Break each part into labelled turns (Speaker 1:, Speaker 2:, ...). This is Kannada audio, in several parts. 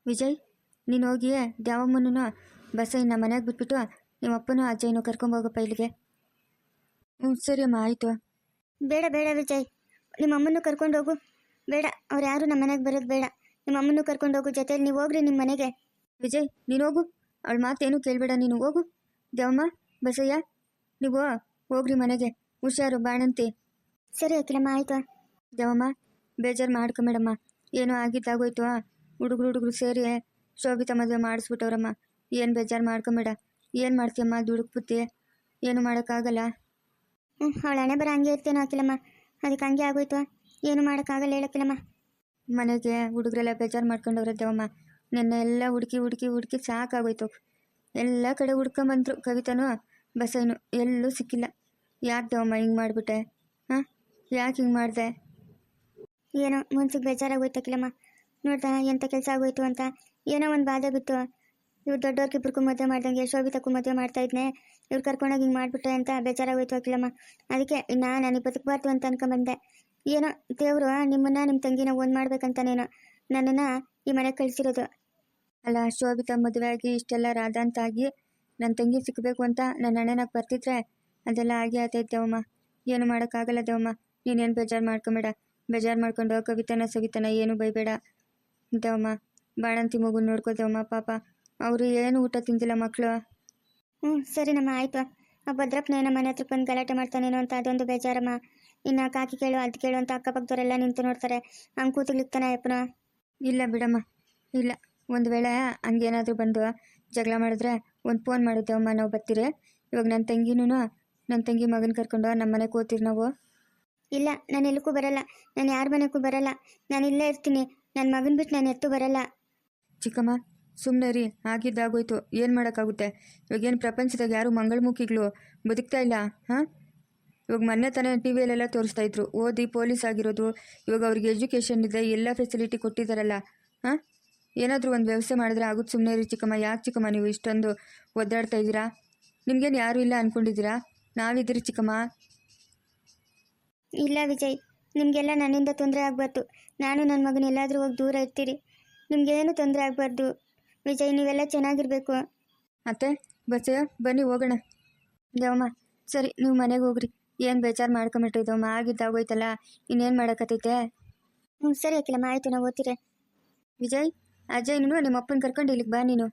Speaker 1: ವಿಜಯ್, ನೀನು ಹೋಗಿ ದ್ಯಾವಮ್ಮನೂ ಬಸಯ್ಯನ ಮನೆಗೆ ಬಿಟ್ಬಿಟ್ಟು ನಿಮ್ಮ ಅಪ್ಪನೂ ಅಜ್ಜಯ್ಯನೂ ಕರ್ಕೊಂಬೋಗಪ್ಪ ಇಲ್ಲಿಗೆ. ಸರಿ ಅಮ್ಮ, ಆಯಿತು.
Speaker 2: ಬೇಡ ಬೇಡ ವಿಜಯ್, ನಿಮ್ಮ ಅಮ್ಮನ್ನು ಕರ್ಕೊಂಡು ಹೋಗು. ಬೇಡ, ಅವ್ರು ಯಾರು ನಮ್ಮ ಮನೆಗೆ ಬರೋದು ಬೇಡ. ನಿಮ್ಮ ಅಮ್ಮನ್ನು ಕರ್ಕೊಂಡು ಹೋಗು, ಜೊತೆಯಲ್ಲಿ ನೀವು ಹೋಗ್ರಿ ನಿಮ್ಮ ಮನೆಗೆ.
Speaker 1: ವಿಜಯ್, ನೀನು ಹೋಗು, ಅವಳ ಮಾತೇನು ಕೇಳಬೇಡ, ನೀನು ಹೋಗು. ದ್ಯಾವಮ್ಮ, ಬಸಯ್ಯ, ನೀವು ಹೋಗ್ರಿ ಮನೆಗೆ. ಹುಷಾರು ಬಾಣಂತಿ.
Speaker 2: ಸರಿ ಅಖಿಲಮ್ಮ, ಆಯಿತು.
Speaker 1: ದ್ಯಾವಮ್ಮ, ಬೇಜಾರು ಮಾಡ್ಕೊಂಬೇಡಮ್ಮ. ಏನೋ ಆಗಿದ್ದಾಗೋಯ್ತು. ಹುಡುಗರು ಸೇರಿ ಶೋಭಿತಾ ಮದುವೆ ಮಾಡಿಸ್ಬಿಟ್ಟವ್ರಮ್ಮ. ಏನು ಬೇಜಾರು ಮಾಡ್ಕೊಂಬೇಡ. ಏನು ಮಾಡ್ತೀಯಮ್ಮ, ದುಡುಕ್ ಬುತ್ತಿ, ಏನು ಮಾಡೋಕ್ಕಾಗಲ್ಲ.
Speaker 2: ಅವಳ ಹಣೆ ಬರ ಹಂಗೆ ಇರ್ತೇನೋ ಅಖಿಲಮ್ಮ, ಅದಕ್ಕೆ ಹಂಗೆ ಆಗೋಯ್ತು. ಏನು ಮಾಡೋಕ್ಕಾಗಲ್ಲ ಹೇಳಕ್ಕಿಲ್ಲಮ್ಮ.
Speaker 1: ಮನೆಗೆ ಹುಡುಗರೆಲ್ಲ ಬೇಜಾರು ಮಾಡ್ಕೊಂಡವ್ರೆ ದೇವಮ್ಮ. ನೆನ್ನೆ ಎಲ್ಲ ಹುಡುಕಿ ಸಾಕಾಗೋಯ್ತು. ಎಲ್ಲ ಕಡೆ ಹುಡ್ಕೊಂಬಂದ್ರು. ಕವಿತಾನು ಬಸಯ್ಯನು ಎಲ್ಲೂ ಸಿಕ್ಕಿಲ್ಲ. ಯಾಕೆ ದೇವಮ್ಮ ಹಿಂಗೆ ಮಾಡಿಬಿಟ್ಟೆ? ಹಾಂ, ಯಾಕೆ ಹಿಂಗೆ ಮಾಡಿದೆ?
Speaker 2: ಏನೋ ಮನ್ಸಿಗೆ ಬೇಜಾರಾಗೋಯ್ತು ಅಖಿಲಮ್ಮ. ನೋಡ್ತಾ ಎಂಥ ಕೆಲಸ ಆಗೋಯ್ತು ಅಂತ ಏನೋ ಒಂದು ಬಾಧೆ ಬಿತ್ತು. ಇವ್ರು ದೊಡ್ಡವ್ರಿಗಿಬ್ರಿಗೂ ಮದುವೆ ಮಾಡ್ದಂಗೆ ಶೋಭಿತಕ್ಕೂ ಮದುವೆ ಮಾಡ್ತಾ ಇದ್ನೆ, ಇವ್ರು ಕರ್ಕೊಂಡೋಗಿ ಹಿಂಗೆ ಮಾಡಿಬಿಟ್ರೆ ಅಂತ ಬೇಜಾರಾಗೋಯ್ತು ಅಖಿಲಮ್ಮ. ಅದಕ್ಕೆ ನಾನು ಬದುಕಬಾರ್ದು ಅಂತ ಅನ್ಕೊಂಬಂದೆ. ಏನೋ ದೇವರು ನಿಮ್ಮನ್ನ ನಿಮ್ಮ ತಂಗಿನ ಒಂದು ಮಾಡ್ಬೇಕಂತಾನೇನೋ ನನ್ನನ್ನು ಈ ಮನೆಗೆ ಕಳಿಸಿರೋದು.
Speaker 1: ಅಲ್ಲ, ಶೋಭಿತಾ ಮದುವೆ ಆಗಿ ಇಷ್ಟೆಲ್ಲ ರಾಧಾಂತಾಗಿ ನನ್ನ ತಂಗಿ ಸಿಕ್ಕಬೇಕು ಅಂತ ನನ್ನ ಅಣ್ಣನಾಗ ಬರ್ತಿದ್ರೆ ಅದೆಲ್ಲ ಆಗೇ ಆತೈತೆ ದೇವಮ್ಮ. ಏನು ಮಾಡೋಕ್ಕಾಗಲ್ಲ ದೇವಮ್ಮ. ನೀನೇನು ಬೇಜಾರು ಮಾಡ್ಕೊಂಬೇಡ. ಬೇಜಾರು ಮಾಡ್ಕೊಂಡು ಕವಿತನ ಸವಿತನ ಏನು ಬೈಬೇಡ ದೇವಮ್ಮ. ಬಾಣಂತಿ ಮಗು ನೋಡ್ಕೋ ದೇವಮ್ಮ. ಪಾಪ ಅವರು ಏನು ಊಟ ತಿಂದಿಲ್ಲ ಮಕ್ಕಳು.
Speaker 2: ಸರಿನಮ್ಮ, ಆಯಿತು. ಆ ಭದ್ರಪ್ಪನ ನಮ್ಮ ಮನೆ ಹತ್ರ ಬಂದು ಗಲಾಟೆ ಮಾಡ್ತಾನೇನೋ ಅಂತ ಅದೊಂದು ಬೇಜಾರಮ್ಮ. ಇನ್ನು ಕಾಕಿ ಕೇಳು ಅದು ಕೇಳು ಅಂತ ಅಕ್ಕಪಕ್ಕದವರೆಲ್ಲ ನಿಂತು ನೋಡ್ತಾರೆ. ಹಂಗೆ ಕೂತುಗ್ಲಿಕ್ತಾನೆ ಅಪ್ಪನ.
Speaker 1: ಇಲ್ಲ ಬಿಡಮ್ಮ, ಇಲ್ಲ. ಒಂದು ವೇಳೆ ಹಂಗೇನಾದರೂ ಬಂದು ಜಗಳ ಮಾಡಿದ್ರೆ ಒಂದು ಫೋನ್ ಮಾಡಿದ್ದೇವಮ್ಮ, ನಾವು ಬರ್ತೀರಿ. ಇವಾಗ ನನ್ನ ತಂಗಿ ಮಗನ ಕರ್ಕೊಂಡು ನಮ್ಮ ಮನೆಗೆ ಹೋಗ್ತೀರಿ ನಾವು.
Speaker 2: ಇಲ್ಲ, ನಾನು ಎಲ್ಲಕ್ಕೂ ಬರಲ್ಲ. ನಾನು ಯಾರ ಮನೆಗೂ ಬರಲ್ಲ. ನಾನು ಇಲ್ಲೇ ಇರ್ತೀನಿ. ನನ್ನ ಮಗನ ಬಿಟ್ಟು ನಾನು ಎತ್ತು ಬರಲ್ಲ.
Speaker 1: ಚಿಕ್ಕಮ್ಮ, ಸುಮ್ಮನೆ ರೀ. ಆಗಿದ್ದಾಗೋಯ್ತು, ಏನು ಮಾಡೋಕ್ಕಾಗುತ್ತೆ. ಇವಾಗೇನು ಪ್ರಪಂಚದಾಗ ಯಾರು ಮಂಗಳಮುಖಿಗಳು ಬದುಕ್ತಾ ಇಲ್ಲ. ಹಾಂ, ಇವಾಗ ಮೊನ್ನೆ ತಾನೇ ಟಿ ವಿಯಲ್ಲೆಲ್ಲ ತೋರಿಸ್ತಾ ಇದ್ರು, ಓದಿ ಪೊಲೀಸ್ ಆಗಿರೋದು. ಇವಾಗ ಅವ್ರಿಗೆ ಎಜುಕೇಷನ್ ಇದೆ, ಎಲ್ಲ ಫೆಸಿಲಿಟಿ ಕೊಟ್ಟಿದ್ದಾರಲ್ಲ. ಹಾಂ, ಏನಾದರೂ ಒಂದು ವ್ಯವಸ್ಥೆ ಮಾಡಿದ್ರೆ ಆಗುತ್ತೆ. ಸುಮ್ಮನೆ ರೀ ಚಿಕ್ಕಮ್ಮ. ಯಾಕೆ ಚಿಕ್ಕಮ್ಮ ನೀವು ಇಷ್ಟೊಂದು ಒದ್ದಾಡ್ತಾ ಇದ್ದೀರಾ? ನಿಮಗೇನು ಯಾರೂ ಇಲ್ಲ ಅಂದ್ಕೊಂಡಿದ್ದೀರಾ? ನಾವಿದ್ದೀರಿ ಚಿಕ್ಕಮ್ಮ.
Speaker 2: ಇಲ್ಲ ವಿಜಯ್, ನಿಮಗೆಲ್ಲ ನನ್ನಿಂದ ತೊಂದರೆ ಆಗಬಾರ್ದು. ನಾನು ನನ್ನ ಮಗನ ಎಲ್ಲಾದರೂ ಹೋಗಿ ದೂರ ಇರ್ತೀರಿ. ನಿಮಗೇನು ತೊಂದರೆ ಆಗಬಾರ್ದು ವಿಜಯ್, ನೀವೆಲ್ಲ ಚೆನ್ನಾಗಿರ್ಬೇಕು.
Speaker 1: ಅತ್ತೆ, ಬಸ್ಸಯ್ಯ, ಬನ್ನಿ ಹೋಗೋಣ. ದೇವಮ್ಮ, ಸರಿ ನೀವು ಮನೆಗೆ ಹೋಗ್ರಿ. ಏನು ಬೇಜಾರು ಮಾಡ್ಕೊಂಬಿಟ್ರಿ ದೇವಮ್ಮ. ಆಗಿದ್ದಾಗೋಯ್ತಲ್ಲ, ಇನ್ನೇನು ಮಾಡೋಕ್ಕತ್ತೈತೆ.
Speaker 2: ಸರಿ ಅಖಿಲಮ್ಮ, ಆಯಿತು, ನಾವು ಓದ್ತೀರಿ.
Speaker 1: ವಿಜಯ್, ಅಜಯ್, ನೀನು ನಿಮ್ಮ ಅಪ್ಪನ ಕರ್ಕೊಂಡು ಇಲ್ಲಿಗೆ ಬಾ ನೀನು.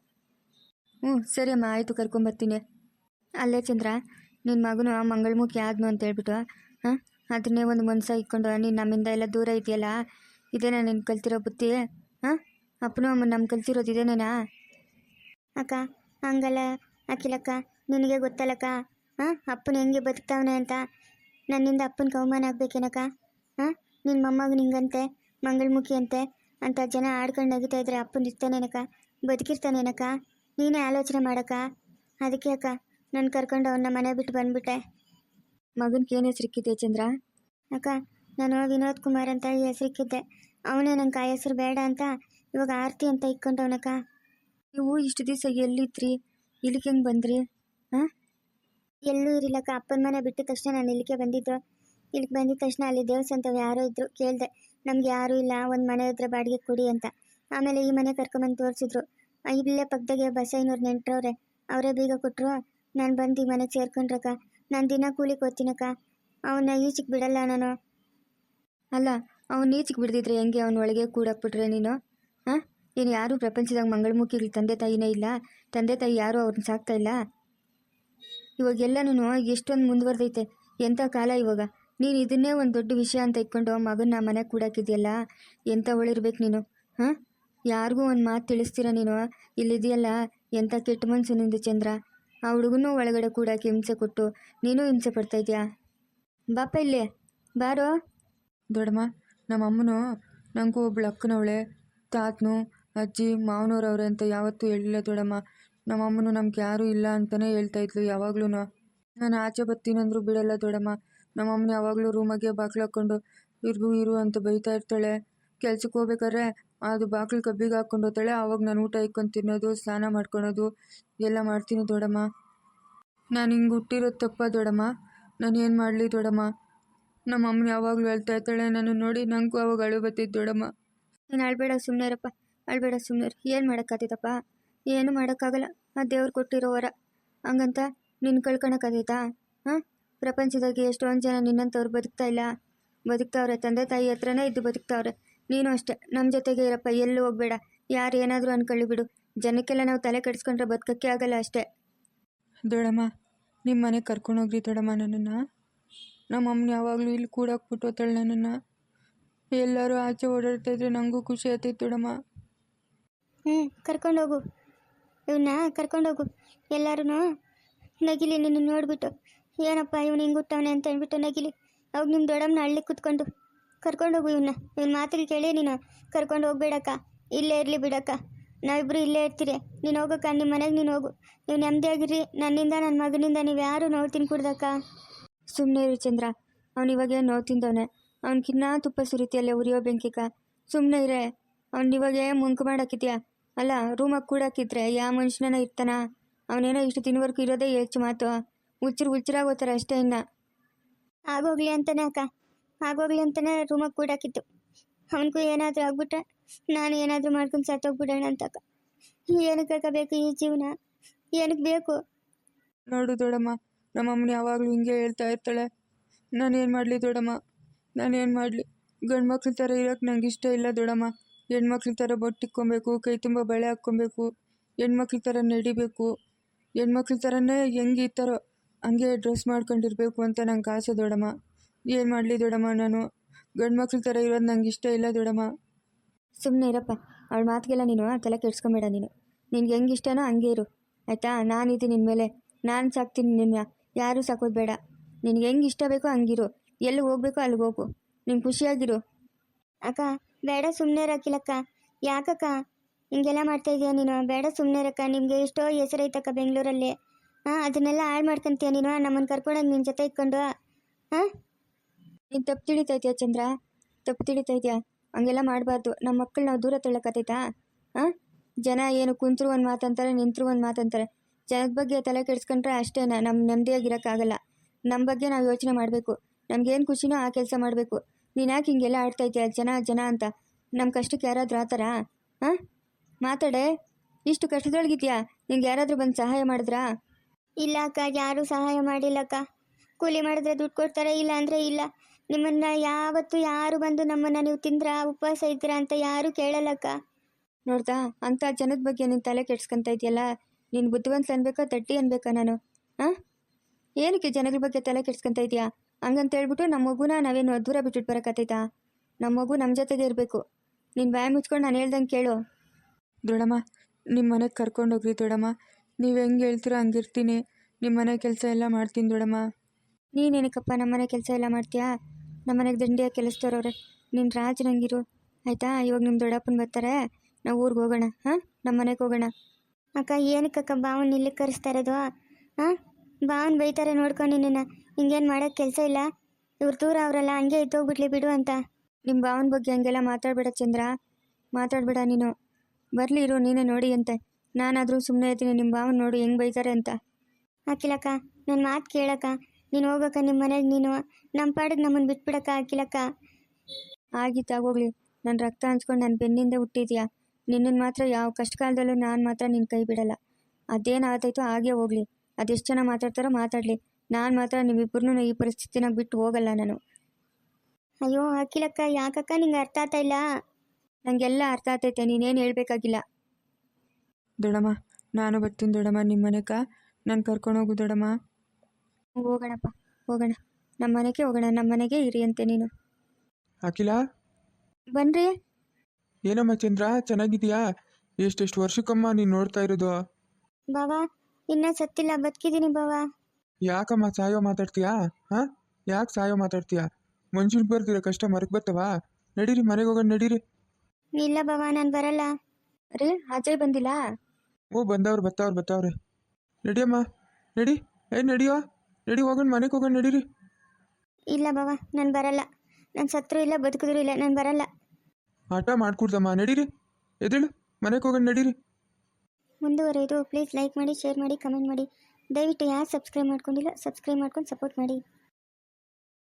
Speaker 1: ಸರಿ ಅಮ್ಮ, ಆಯಿತು, ಕರ್ಕೊಂಬರ್ತೀನಿ. ಅಲ್ಲೇ ಚಂದ್ರ, ನಿನ್ನ ಮಗನು ಮಂಗಳಮುಖಿ ಆದ್ನು ಅಂತ ಹೇಳ್ಬಿಟ್ಟು ಹಾಂ, ಅದನ್ನೇ ಒಂದು ಮನಸ್ಸ ಇಟ್ಕೊಂಡು ನೀನು ನಮ್ಮಿಂದ ಎಲ್ಲ ದೂರ ಇದೆಯಲ್ಲ. ಇದೇನಾ ನೀನು ಕಲ್ತಿರೋ ಬುತ್ತಿ? ಹಾಂ, ಅಪ್ಪನೂ ಅಮ್ಮನ ನಮ್ಮ ಕಲ್ತಿರೋದು ಇದೇನೇನಾ?
Speaker 2: ಅಕ್ಕ ಹಂಗಲ್ಲ ಅಖಿಲಕ್ಕ, ನಿನಗೆ ಗೊತ್ತಲ್ಲಕ್ಕ. ಹಾಂ, ಅಪ್ಪನ ಹೆಂಗೆ ಬದುಕ್ತಾವನೆ ಅಂತ. ನನ್ನಿಂದ ಅಪ್ಪನ ಅವಮಾನ ಆಗ್ಬೇಕೇನಕ್ಕ? ಹಾಂ, ನಿನ್ನ ಮೊಮ್ಮಗ ನಿಂಗಂತೆ ಮಂಗಳಮುಖಿ ಅಂತೆ ಅಂತ ಜನ ಆಡ್ಕೊಂಡು ನಗಿತಾ ಇದ್ರೆ ಅಪ್ಪನ ಇರ್ತಾನೇನಕ್ಕ? ಬದುಕಿರ್ತಾನೇನಕ್ಕ? ನೀನೇ ಆಲೋಚನೆ ಮಾಡಕ್ಕ. ಅದಕ್ಕೆ ಅಕ್ಕ ನಾನು ಕರ್ಕೊಂಡು ಅವನ್ನ ಮನೆ ಬಿಟ್ಟು ಬಂದ್ಬಿಟ್ಟೆ.
Speaker 1: ಮಗನಿಗೆ ಏನು ಹೆಸರಿಕ್ಕಿದೆ ಚಂದ್ರ?
Speaker 2: ಅಕ್ಕ, ನಾನು ವಿನೋದ್ ಕುಮಾರ್ ಅಂತ ಹೆಸರಿಕ್ಕಿದ್ದೆ. ಅವನೇ ನಂಗೆ ಆ ಹೆಸರು ಬೇಡ ಅಂತ ಇವಾಗ ಆರ್ತಿ ಅಂತ ಇಟ್ಕೊಂಡವನಕ್ಕ.
Speaker 1: ನೀವು ಇಷ್ಟು ದಿವಸ ಎಲ್ಲಿದ್ರಿ? ಇಲ್ಲಿಗೆ ಹೆಂಗೆ ಬಂದ್ರಿ? ಹಾಂ,
Speaker 2: ಎಲ್ಲೂ ಇರಿಲ್ಲಕ್ಕ. ಅಪ್ಪನ ಮನೆ ಬಿಟ್ಟಿದ ತಕ್ಷಣ ನಾನು ಇಲ್ಲಿಗೆ ಬಂದಿದ್ದು. ಇಲ್ಲಿಗೆ ಬಂದಿದ ತಕ್ಷಣ ಅಲ್ಲಿ ದೇವಸ್ಥಾನದವ್ರು ಯಾರೋ ಇದ್ರು. ಕೇಳಿದೆ, ನಮ್ಗೆ ಯಾರೂ ಇಲ್ಲ, ಒಂದು ಮನೆ ಇದ್ರೆ ಬಾಡಿಗೆ ಕೊಡಿ ಅಂತ. ಆಮೇಲೆ ಈ ಮನೆ ಕರ್ಕೊಂಬಂದು ತೋರಿಸಿದ್ರು. ಇಲ್ಲೇ ಪಕ್ಕದಾಗೆ ಬಸಯ್ಯನವ್ರು ನೆಂಟ್ರವ್ರೆ, ಅವರೇ ಬೀಗ ಕೊಟ್ಟರು. ನಾನು ಬಂದು ಈ ಮನೆಗೆ ಸೇರ್ಕೊಂಡ್ರಕ್ಕ. ನಾನು ದಿನ ಕೂಲಿಗೆ ಹೋಗ್ತೀನಕ್ಕ. ಅವನ್ನ ಈಚೆಗೆ ಬಿಡಲ್ಲ ನಾನು.
Speaker 1: ಅಲ್ಲ, ಅವ್ನು ಈಚೆಗೆ ಬಿಡ್ದಿದ್ರೆ ಹೆಂಗೆ ಅವನ ಒಳಗೆ ಕೂಡಾಕ್ಬಿಟ್ರೆ ನೀನು? ಹಾಂ, ನೀನು ಯಾರೂ ಪ್ರಪಂಚದಾಗ ಮಂಗಳಮುಖಿಗಳು ತಂದೆ ತಾಯಿನೇ ಇಲ್ಲ. ತಂದೆ ತಾಯಿ ಯಾರೂ ಅವ್ರನ್ನ ಸಾಕ್ತಾ ಇಲ್ಲ. ಇವಾಗೆಲ್ಲನೂ ಎಷ್ಟೊಂದು ಮುಂದುವರೆದೈತೆ. ಎಂಥ ಕಾಲ ಇವಾಗ. ನೀನು ಇದನ್ನೇ ಒಂದು ದೊಡ್ಡ ವಿಷಯ ಅಂತ ಇಟ್ಕೊಂಡು ಮಗನ್ನ ಮನೆಗೆ ಕೂಡಾಕಿದ್ಯಲ್ಲ. ಎಂಥ ಒಳಿರ್ಬೇಕು ನೀನು. ಹಾಂ, ಯಾರಿಗೂ ಒಂದು ಮಾತು ತಿಳಿಸ್ತೀರ ನೀನು? ಇಲ್ಲಿದೆಯಲ್ಲ, ಎಂಥ ಕೆಟ್ಟ ಮನಸ್ಸು ನಿಂದು ಚಂದ್ರ. ಆ ಹುಡುಗನೂ ಒಳಗಡೆ ಕೂಡಾಕಿ ಹಿಂಸೆ ಕೊಟ್ಟು ನೀನು ಹಿಂಸೆ ಪಡ್ತಾಯಿದ್ಯಾ? ಬಾಪ ಇಲ್ಲೇ ಬಾರೋ.
Speaker 3: ದೊಡ್ಡಮ್ಮ, ನಮ್ಮ ಅಮ್ಮನು ನನಗೂ ಒಬ್ಳು ಅಕ್ಕನವಳೆ, ತಾತನು ಅಜ್ಜಿ ಮಾವನವ್ರವ್ರೆ ಅಂತ ಯಾವತ್ತೂ ಹೇಳಿಲ್ಲ ದೊಡ್ಡಮ್ಮ. ನಮ್ಮ ಅಮ್ಮನು ನಮ್ಗೆ ಯಾರೂ ಇಲ್ಲ ಅಂತಲೇ ಹೇಳ್ತಾಯಿದ್ಲು ಯಾವಾಗ್ಲೂ. ನಾನು ಆಚೆ ಬರ್ತೀನಂದ್ರೂ ಬಿಡಲ್ಲ ದೊಡ್ಡಮ್ಮ. ನಮ್ಮ ಅಮ್ಮನ ಯಾವಾಗಲೂ ರೂಮಾಗೆ ಬಾಗಿಲು ಹಾಕ್ಕೊಂಡು ಇರು ಅಂತ ಬೈತಾ ಇರ್ತಾಳೆ. ಕೆಲ್ಸಕ್ಕೆ ಹೋಗ್ಬೇಕಾದ್ರೆ ಅದು ಬಾಗಿಲು ಕಬ್ಬಿಗೆ ಹಾಕ್ಕೊಂಡು ಹೋಗ್ತಾಳೆ. ಆವಾಗ ನಾನು ಊಟ ಇಕ್ಕೊಂಡು ತಿನ್ನೋದು, ಸ್ನಾನ ಮಾಡ್ಕೊಳೋದು ಎಲ್ಲ ಮಾಡ್ತೀನಿ ದೊಡ್ಡಮ್ಮ. ನಾನು ಹಿಂಗೆ ಹುಟ್ಟಿರೋದು ತಪ್ಪ ದೊಡ್ಡಮ್ಮ? ನಾನು ಏನು ಮಾಡಲಿ ದೊಡ್ಡಮ್ಮ? ನಮ್ಮ ಅಮ್ಮನ ಯಾವಾಗಲೂ ಹೇಳ್ತಾ ಇರ್ತಾಳೆ. ನಾನು ನೋಡಿ ನನಗೂ ಅವಾಗ ಅಳು ಬತ್ತಿದ್ದು ದೊಡ್ಡಮ್ಮ.
Speaker 1: ನೀನು ಅಳ್ಬೇಡ, ಸುಮ್ಮನೆ ಇರಪ್ಪ. ಅಳ್ಬೇಡ ಸುಮ್ಮನೆ. ಏನು ಮಾಡೋಕ್ಕಾಗ್ತೈತಪ್ಪ? ಏನು ಮಾಡೋಕ್ಕಾಗಲ್ಲ. ಆ ದೇವ್ರು ಕೊಟ್ಟಿರೋ ವರ. ಹಂಗಂತ ನಿನ್ನ ಕಳ್ಕೊಳಕ್ಕಾಗೈತಾ? ಹಾಂ, ಪ್ರಪಂಚದಾಗೆ ಎಷ್ಟೊಂದು ಜನ ನಿನ್ನಂಥವ್ರು ಬದುಕ್ತಾ ಇಲ್ಲ, ಬದುಕ್ತಾವ್ರೆ. ತಂದೆ ತಾಯಿ ಹತ್ರನೇ ಇದ್ದು ಬದುಕ್ತಾವ್ರೆ. ನೀನು ಅಷ್ಟೇ ನಮ್ಮ ಜೊತೆಗೆ ಇರಪ್ಪ, ಎಲ್ಲೂ ಹೋಗಬೇಡ. ಯಾರು ಏನಾದರೂ ಅನ್ಕೊಳ್ಳಿ ಬಿಡು. ಜನಕ್ಕೆಲ್ಲ ನಾವು ತಲೆ ಕೆಡಿಸ್ಕೊಂಡ್ರೆ ಬದುಕಕ್ಕೆ ಆಗಲ್ಲ ಅಷ್ಟೇ.
Speaker 3: ದೊಡಮ್ಮ, ನಿಮ್ಮ ಮನೆಗೆ ಕರ್ಕೊಂಡೋಗ್ರಿ ದೊಡಮ್ಮ ನನ್ನನ್ನು. ನಮ್ಮ ಅಮ್ಮನ ಯಾವಾಗಲೂ ಇಲ್ಲಿ ಕೂಡಾಕ್ಬಿಟ್ಟು ಹೋಗ್ತಾಳೆ ನನ್ನನ್ನು. ಎಲ್ಲರೂ ಆಚೆ ಓಡಾಡ್ತಾಯಿದ್ರೆ ನನಗೂ ಖುಷಿ ಆಗ್ತೈತೆ ದೊಡಮ್ಮ.
Speaker 2: ಕರ್ಕೊಂಡೋಗು, ಇವನ್ನ ಕರ್ಕೊಂಡೋಗು. ಎಲ್ಲರೂ ನಗಿಲಿ ನಿನ್ನ ನೋಡ್ಬಿಟ್ಟು, ಏನಪ್ಪ ಇವನು ಹಿಂಗೆ ಹುಟ್ಟವನೆ ಅಂತ ಅಂದ್ಬಿಟ್ಟು ನಗಿಲಿ. ಅವಾಗ ನಿಮ್ಮ ದೊಡ್ಡಮ್ಮನ ಹಳ್ಳಿ ಕೂತ್ಕೊಂಡು ಕರ್ಕೊಂಡೋಗು ಇವನ್ನ ಮಾತಿಗೆ ಕೇಳಿ ನೀನು ಕರ್ಕೊಂಡು ಹೋಗ್ಬೇಡಕ್ಕ. ಇಲ್ಲೇ ಇರಲಿ ಬಿಡಕ್ಕ, ನಾವಿಬ್ಬರು ಇಲ್ಲೇ ಇರ್ತೀರಿ. ನೀನು ಹೋಗಕ್ಕ, ನಿಮ್ಮ ಮನೆಗೆ ನೀನು ಹೋಗು. ನೀವು ನೆಮ್ಮದಿಯಾಗಿರಿ. ನನ್ನಿಂದ ನನ್ನ ಮಗನಿಂದ ನೀವು ಯಾರು ನೋವು ತಿನ್ಕೂಡ್ದಕ್ಕ.
Speaker 1: ಸುಮ್ಮನೆ ಇರು ಚಂದ್ರ. ಅವ್ನು ಇವಾಗೇ ನೋವು ತಿಂದವನೆ. ಅವ್ನಿಗಿನ್ನ ತುಪ್ಪ ಸುರಿತಿಯಲ್ಲೇ ಉರಿಯೋ ಬೆಂಕಿಕ. ಸುಮ್ಮನೆ ಇರೇ. ಅವ್ನು ಇವಾಗೇ ಮುಂಕು ಮಾಡಾಕಿದ್ಯಾ ಅಲ್ಲ? ರೂಮಾಗಿ ಕೂಡಾಕಿದ್ರೆ ಯಾವ ಮನುಷ್ಯನ ಇರ್ತಾನ? ಅವನೇನೋ ಇಷ್ಟು ದಿನವರೆಗೂ ಇರೋದೇ ಹೆಚ್ಚು ಮಾತು. ಹುಚ್ಚರಾಗೋತಾರೆ ಅಷ್ಟೇ. ಇನ್ನು
Speaker 2: ಆಗೋಗ್ಲಿ ಅಂತಾನೆ ಅಕ್ಕ, ಆಗೋಗ್ಲಿ ಅಂತಾನೆ ರೂಮಾಗಿ ಕೂಡಾಕಿತ್ತು. ಅವನಿಗೂ ಏನಾದರೂ ಆಗ್ಬಿಟ್ರೆ ನಾನು ಏನಾದರೂ ಮಾಡ್ಕೊಂಡು ಸತ್ತೋಗ್ಬಿಡೋಣ ಅಂತಕ್ಕ. ಏನಕ್ಕೆ ಬೇಕು ಈ ಜೀವನ? ಏನಕ್ಕೆ ಬೇಕು?
Speaker 3: ನೋಡು ದೊಡಮ್ಮ, ನಮ್ಮ ಅಮ್ಮನ ಯಾವಾಗಲೂ ಹಿಂಗೆ ಹೇಳ್ತಾ ಇರ್ತಾಳೆ. ನಾನೇನು ಮಾಡಲಿ ದೊಡಮ್ಮ, ನಾನೇನು ಮಾಡಲಿ? ಗಂಡು ಮಕ್ಳ ಥರ ಇರೋಕ್ಕೆ ನಂಗೆ ಇಷ್ಟ ಇಲ್ಲ ದೊಡಮ್ಮ. ಹೆಣ್ಮಕ್ಳ ಥರ ಬೊಟ್ಟಿಕ್ಕೊಬೇಕು, ಕೈ ತುಂಬ ಬಳೆ ಹಾಕ್ಕೊಬೇಕು, ಹೆಣ್ಮಕ್ಳ ಥರ ನಡಿಬೇಕು, ಹೆಣ್ಮಕ್ಳ ಥರನೇ ಹೆಂಗೆ ಇರ್ತಾರೋ ಹಂಗೆ ಡ್ರೆಸ್ ಮಾಡ್ಕೊಂಡಿರ್ಬೇಕು ಅಂತ ನಂಗೆ ಆಸೆ ದೊಡಮ್ಮ. ಏನು ಮಾಡಲಿ ದೊಡಮ್ಮ? ನಾನು ಗಂಡು ಮಕ್ಳ ಥರ ಇರೋದು ನಂಗೆ ಇಷ್ಟ ಇಲ್ಲ ದೊಡಮ್ಮ.
Speaker 1: ಸುಮ್ಮನೆ ಇರಪ್ಪ. ಅವಳ ಮಾತಿಗೆಲ್ಲ ನೀನು ತಲೆ ಕೆಡ್ಸ್ಕೊಂಬೇಡ. ನಿನ್ಗೆ ಹೆಂಗೆ ಇಷ್ಟನೋ ಹಂಗೆ ಇರು, ಆಯಿತಾ? ನಾನಿದ್ದೀನಿ ನಿನ್ನ ಮೇಲೆ. ನಾನು ಸಾಕ್ತೀನಿ ನಿನ್ನ, ಯಾರೂ ಸಾಕೋದು ಬೇಡ. ನಿನ್ಗೆ ಹೆಂಗೆ ಇಷ್ಟ ಬೇಕೋ ಹಂಗಿರು. ಎಲ್ಲಿ ಹೋಗ್ಬೇಕೋ ಅಲ್ಲಿಗೆ ಹೋಗು. ನೀನು ಖುಷಿಯಾಗಿರು.
Speaker 2: ಅಕ್ಕ ಬೇಡ, ಸುಮ್ಮನೆ ಇರಕ್ಕಿಲ್ಲಕ್ಕ. ಯಾಕಕ್ಕ ಹಿಂಗೆಲ್ಲ ಮಾಡ್ತಾ ಇದೀಯ ನೀನು? ಬೇಡ, ಸುಮ್ಮನೆ ಇರಕ್ಕ. ನಿಮಗೆ ಎಷ್ಟೋ ಹೆಸರೈತಕ್ಕ ಬೆಂಗಳೂರಲ್ಲಿ. ಅದನ್ನೆಲ್ಲ ಹಾಳು ಮಾಡ್ಕೊಂತೀಯ ನೀನು. ನಮ್ಮನ್ನು ಕರ್ಕೊಂಡೋಗಿ ನಿನ್ನ ಜೊತೆ ಇಟ್ಕೊಂಡು.
Speaker 1: ನೀನು ತಪ್ಪು ತಿಳಿತಾ ಇದೆಯಾ ಚಂದ್ರ? ತಪ್ಪು ತಿಳಿತಾ ಇದೆಯಾ? ಹಂಗೆಲ್ಲ ಮಾಡಬಾರ್ದು. ನಮ್ಮ ಮಕ್ಕಳು ನಾವು ದೂರ ತಳ್ಳಕತ್ತೈತಾ? ಜನ ಏನು ಕುಂತರು ಒಂದು ಮಾತಂತಾರೆ, ನಿಂತರು ಒಂದು ಮಾತಂತಾರೆ. ಜನದ ಬಗ್ಗೆ ತಲೆ ಕೆಡಿಸ್ಕೊಂಡ್ರೆ ಅಷ್ಟೇ ನಮ್ಮ ನೆಮ್ಮದಿಯಾಗಿರೋಕ್ಕಾಗಲ್ಲ. ನಮ್ಮ ಬಗ್ಗೆ ನಾವು ಯೋಚನೆ ಮಾಡಬೇಕು. ನಮಗೇನು ಖುಷಿನೋ ಆ ಕೆಲಸ ಮಾಡಬೇಕು. ನೀನು ಯಾಕೆ ಹಿಂಗೆಲ್ಲ ಆಡ್ತಾ ಇದೆಯಾ? ಜನ ಅಂತ. ನಮ್ಮ ಕಷ್ಟಕ್ಕೆ ಯಾರಾದರೂ ಆ ಥರ ಮಾತಾಡೆ. ಇಷ್ಟು ಕಷ್ಟದೊಳಗಿದ್ಯಾ? ನಿಂಗೆ ಯಾರಾದರೂ ಬಂದು ಸಹಾಯ ಮಾಡಿದ್ರಾ?
Speaker 2: ಇಲ್ಲ ಅಕ್ಕ, ಯಾರೂ ಸಹಾಯ ಮಾಡಿಲ್ಲಕ್ಕ. ಕೂಲಿ ಮಾಡಿದ್ರೆ ದುಡ್ಡು ಕೊಡ್ತಾರೆ, ಇಲ್ಲ ಅಂದರೆ ಇಲ್ಲ. ನಿಮ್ಮನ್ನು ಯಾವತ್ತೂ ಯಾರು ಬಂದು ನಮ್ಮನ್ನು ನೀವು ತಿಂದ್ರಾ, ಉಪವಾಸ ಇದ್ದೀರಾ ಅಂತ ಯಾರೂ ಕೇಳಲ್ಲಕ್ಕ.
Speaker 1: ನೋಡ್ದಾ, ಅಂಥ ಜನದ ಬಗ್ಗೆ ನೀನು ತಲೆ ಕೆಡ್ಸ್ಕೊಂತ ಇದೆಯಲ್ಲ. ನೀನು ಬುದ್ಧಿವಂತ ಅನ್ಬೇಕಾ, ತಟ್ಟಿ ಅನ್ಬೇಕಾ ನಾನು? ಏನಕ್ಕೆ ಜನಗಳ ಬಗ್ಗೆ ತಲೆ ಕೆಡ್ಸ್ಕೊಂತ ಇದೆಯಾ? ಹಂಗಂತ ಹೇಳ್ಬಿಟ್ಟು ನಮ್ಮ ಮಗುನ ನಾವೇನು ದೂರ ಬಿಟ್ಬಿಟ್ಟು ಬರೋಕತ್ತೈತಾ? ನಮ್ಮ ಮಗು ನಮ್ಮ ಜೊತೆಗೆ ಇರಬೇಕು. ನೀನು ಬಾಯಿ ಮುಚ್ಕೊಂಡು ನಾನು ಹೇಳ್ದಂಗೆ ಕೇಳು.
Speaker 3: ದೊಡಮ್ಮ, ನಿಮ್ಮ ಮನೆಗೆ ಕರ್ಕೊಂಡೋಗ್ರಿ ದೊಡಮ್ಮ. ನೀವು ಹೆಂಗೆ ಹೇಳ್ತೀರೋ ಹಂಗಿರ್ತೀನಿ. ನಿಮ್ಮ ಮನೆ ಕೆಲಸ ಎಲ್ಲ ಮಾಡ್ತೀನಿ ದೊಡಮ್ಮ.
Speaker 1: ನೀನೇನಕ್ಕಪ್ಪ ನಮ್ಮ ಮನೆ ಕೆಲಸ ಎಲ್ಲ ಮಾಡ್ತೀಯಾ? ನಮ್ಮ ಮನೆಗೆ ದಂಡಿಯಾಗಿ ಕೆಲಸದವ್ರವ್ರೆ. ನೀನು ರಾಜನಂಗಿರು, ಆಯಿತಾ? ಇವಾಗ ನಿಮ್ಮ ದೊಡ್ಡಪ್ಪನ ಬರ್ತಾರೆ, ನಾವು ಊರಿಗೆ ಹೋಗೋಣ. ನಮ್ಮ ಮನೆಗೆ ಹೋಗೋಣ.
Speaker 2: ಅಕ್ಕ ಏನಕ್ಕಕ್ಕ ಬಾವನ್ ಇಲ್ಲಿ ಕರೆಸ್ತಾ ಇರೋದು? ಬಾವನ್ ಬೈತಾರೆ ನೋಡ್ಕೊಂಡು ನಿನ್ನ. ಹಿಂಗೇನು ಮಾಡೋಕ್ಕೆ ಕೆಲಸ ಇಲ್ಲ. ಇವ್ರು ದೂರ ಅವರಲ್ಲ, ಹಂಗೆ ಇದ್ದೋಗ್ಬಿಡ್ಲಿ ಬಿಡು ಅಂತ.
Speaker 1: ನಿಮ್ಮ ಭಾವನ ಬಗ್ಗೆ ಹಂಗೆಲ್ಲ ಮಾತಾಡಬೇಡ ಚಂದ್ರ, ಮಾತಾಡಬೇಡ ನೀನು. ಬರಲಿ ಇರು, ನೀನೇ ನೋಡಿ ಅಂತೆ. ನಾನಾದರೂ ಸುಮ್ಮನೆ ಇರ್ತೀನಿ. ನಿಮ್ಮ ಭಾವನ ನೋಡಿ ಹೆಂಗೆ ಬೈತಾರೆ ಅಂತ.
Speaker 2: ಹಾಕಿಲಕ್ಕ, ನನ್ನ ಮಾತು ಕೇಳಕ್ಕ. ನೀನು ಹೋಗಕ್ಕ ನಿಮ್ಮ ಮನೆಗೆ. ನೀನು ನಮ್ಮ ಪಾಡಿಗೆ ನಮ್ಮನ್ನು ಬಿಟ್ಬಿಡಕ್ಕ. ಹಾಕಿಲಕ್ಕ.
Speaker 1: ಆಗಿತ್ತಾಗೋಗ್ಲಿ. ನನ್ನ ರಕ್ತ ಹಂಚ್ಕೊಂಡು ನನ್ನ ಬೆನ್ನಿಂದ ಹುಟ್ಟಿದ್ಯಾ. ನಿನ್ನನ್ನು ಮಾತ್ರ ಯಾವ ಕಷ್ಟ ಕಾಲದಲ್ಲೂ ನಾನು ಮಾತ್ರ ನಿನ್ನ ಕೈ ಬಿಡಲ್ಲ. ಅದೇನಾಗ್ತೈತೋ ಹಾಗೇ ಹೋಗಲಿ. ಅದೆಷ್ಟು ಜನ ಮಾತಾಡ್ತಾರೋ ಮಾತಾಡಲಿ. ನಾನು ಮಾತ್ರ ನೀವಿಬ್ಬರನ್ನೂ ಈ ಪರಿಸ್ಥಿತಿನಾಗ ಬಿಟ್ಟು ಹೋಗಲ್ಲ ನಾನು.
Speaker 2: ಅಯ್ಯೋ ಹಾಕಿಲಕ್ಕ, ಯಾಕಕ್ಕ ನಿಂಗೆ ಅರ್ಥ ಆಗ್ತಾ ಇಲ್ಲ?
Speaker 1: ನನಗೆಲ್ಲ ಅರ್ಥ ಆಗ್ತೈತೆ, ನೀನೇನು ಹೇಳಬೇಕಾಗಿಲ್ಲ.
Speaker 3: ದೊಡಮ್ಮ, ನಾನು ಬರ್ತೀನಿ ದೊಡಮ್ಮ ನಿಮ್ಮ ಮನೆಗೆ. ನಾನು ಕರ್ಕೊಂಡೋಗು ದೊಡಮ್ಮ.
Speaker 1: ಹೋಗೋಣಪ್ಪ, ಹೋಗೋಣ. ನಮ್ಮ ಮನೆಗೆ ಹೋಗೋಣ. ನಮ್ಮ ಮನೆಗೆ ಇರಿ ಅಂತೆ ನೀನು.
Speaker 4: ಅಖಿಲ,
Speaker 1: ಬನ್ರಿ.
Speaker 4: ಏನಮ್ಮ ಚಂದ್ರ, ಚೆನ್ನಾಗಿದೆಯಾ? ಎಷ್ಟೆಷ್ಟು ವರ್ಷಕ್ಕಮ್ಮ ನೀನು ನೋಡ್ತಾ ಇರೋದು?
Speaker 2: ಬಾವಾ, ಇನ್ನೂ ಸತ್ತಿಲ್ಲ, ಬದುಕಿದ್ದೀನಿ ಬಾವಾ.
Speaker 4: ಯಾಕಮ್ಮ ಸಾಯೋ ಮಾತಾಡ್ತೀಯಾ? ಯಾಕೆ ಸಾಯೋ ಮಾತಾಡ್ತೀಯಾ? ಮನುಷ್ಯನಿಗೆ ಬರ್ದಿರೋ ಕಷ್ಟ ಮರಕ್ಕೆ ಬರ್ತವಾ? ನಡೀರಿ, ಮನೆಗೆ ಹೋಗೋಣ, ನಡೀರಿ.
Speaker 2: ಇಲ್ಲ ಬಾವಾ, ನಾನು ಬರಲ್ಲ.
Speaker 1: ರೀ, ಅಜಯ್ ಬಂದಿಲ್ಲ?
Speaker 4: ಬತ್ತವ್ರೆ. ನಡಿಯಮ್ಮ, ನಡಿ. ನಡಿಯೋ, ನಡಿ, ಹೋಗೋಣ, ಮನೆಗೆ ಹೋಗೋಣ, ನಡೀರಿ.
Speaker 2: ಇಲ್ಲ ಬಾವಾ, ನಾನು ಬರಲ್ಲ. ನಾನು ಸತ್ರು ಇಲ್ಲ, ಬದುಕಿದ್ರು ಇಲ್ಲ, ನಾನು ಬರಲ್ಲ.
Speaker 4: ಆಟ ಮಾಡ್ಕೊಡ್ದಮ್ಮ, ನಡೀರಿ. ಎದೇಳು, ಮನೆಗೆ ಹೋಗೋಣ, ನಡೀರಿ.
Speaker 2: ಮುಂದುವರೆದು ಪ್ಲೀಸ್ ಲೈಕ್ ಮಾಡಿ, ಶೇರ್ ಮಾಡಿ, ಕಮೆಂಟ್ ಮಾಡಿ. ದಯವಿಟ್ಟು ಯಾರು ಸಬ್ಸ್ಕ್ರೈಬ್ ಮಾಡ್ಕೊಂಡಿಲ್ಲ ಸಬ್ಸ್ಕ್ರೈಬ್ ಮಾಡ್ಕೊಂಡು ಸಪೋರ್ಟ್ ಮಾಡಿ.